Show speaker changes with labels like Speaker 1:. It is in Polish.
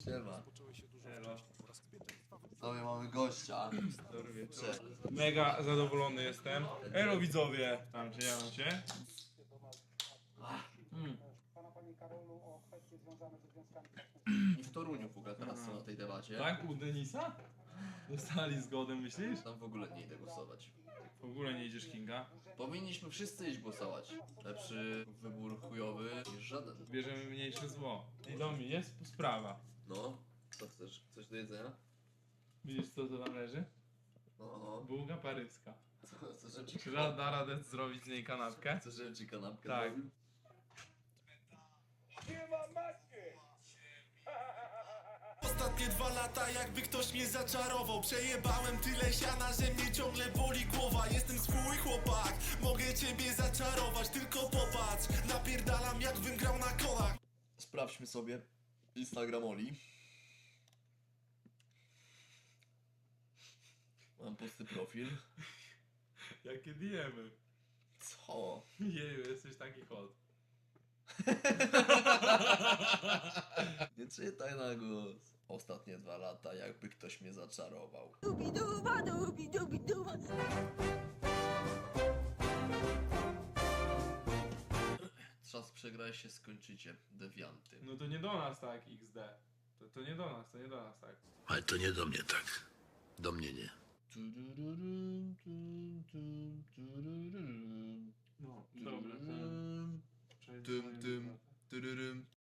Speaker 1: Siema.
Speaker 2: Elo.
Speaker 1: Sobie mamy gościa.
Speaker 2: Dobry wieczór.
Speaker 1: Cześć.
Speaker 2: Mega zadowolony jestem. Elo widzowie! Tam cię, ja mam cię.
Speaker 1: I w Toruniu w ogóle teraz są na tej debacie.
Speaker 2: Tak? U Denisa? Dostali zgodę, myślisz?
Speaker 1: Tam w ogóle nie idę głosować.
Speaker 2: W ogóle nie idziesz, Kinga.
Speaker 1: Powinniśmy wszyscy iść głosować. Lepszy wybór chujowy niż żaden.
Speaker 2: Bierzemy mniejsze zło. I do mnie jest sprawa.
Speaker 1: No, co chcesz? Coś do jedzenia?
Speaker 2: Widzisz co to tam leży?
Speaker 1: No,
Speaker 2: Bułka paryska.
Speaker 1: co żebym ci
Speaker 2: Czy da radę zrobić z niej kanapkę?
Speaker 1: Chcesz, żebym ci kanapkę
Speaker 2: Tak.
Speaker 1: zrobił?
Speaker 3: Ostatnie 2 lata jakby ktoś mnie zaczarował. Przejebałem tyle siana, że mnie ciągle boli głowa. Jestem swój chłopak, mogę ciebie zaczarować. Tylko popatrz, napierdalam jakbym grał na kolach.
Speaker 1: Sprawdźmy sobie Instagram Oli. Mam pusty profil.
Speaker 2: Jakie diemy?
Speaker 1: Co?
Speaker 2: Jeju, jesteś taki hot.
Speaker 1: Nie czytaj na głos. Ostatnie 2 lata jakby ktoś mnie zaczarował.
Speaker 4: Dubi-duba, dubi-dubi-duba.
Speaker 1: Czas przegrałeś się skończycie, dewianty.
Speaker 2: No to nie do nas tak, XD. To nie do nas, tak.
Speaker 5: Ale to nie do mnie tak. Do mnie nie.
Speaker 1: Tudururum, tum, tum, tudururum,
Speaker 2: No, dobra.
Speaker 1: tudururum, tum, tum, tudurum.